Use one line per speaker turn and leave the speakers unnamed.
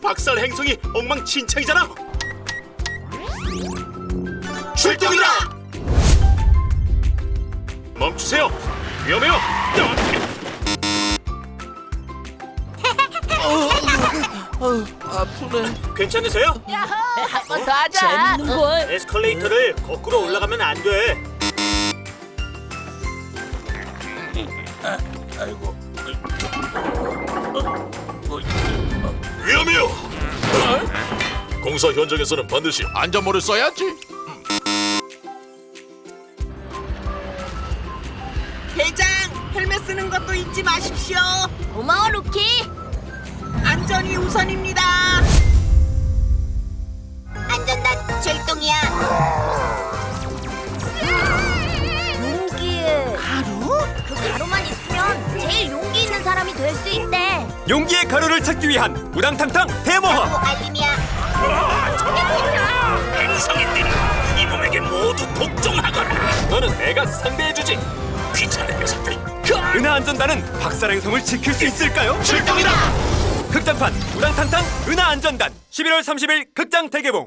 박살 행성이 엉망진창이잖아. 출동이다. 멈추세요. 위험해요.
아프네.
괜찮으세요?
한 번 더 하자.
재밌는 걸.
에스컬레이터를 거꾸로 올라가면 안 돼.
아이고.
위험해요. 공사 현장에서는 반드시 안전모를 써야지.
대장, 헬멧 쓰는 것도 잊지 마십시오.
고마워 루키.
안전이 우선입니다.
안전단 출동이야. 용기의 가루? 그 가루만 있으면 제일 용기 있는 사람이 될 수 있대.
용기의 가루를 찾기 위한 우당탕탕 대모험.
알림이야.
행성인들이 이 몸에게 모두 복종하거라. 너는 내가 상대해주지. 귀찮은 녀석들.
은하 안전단은 박살 행성을 지킬 수 있을까요?
출동이다.
극장판 우당탕탕 은하 안전단 11월 30일 극장 대개봉.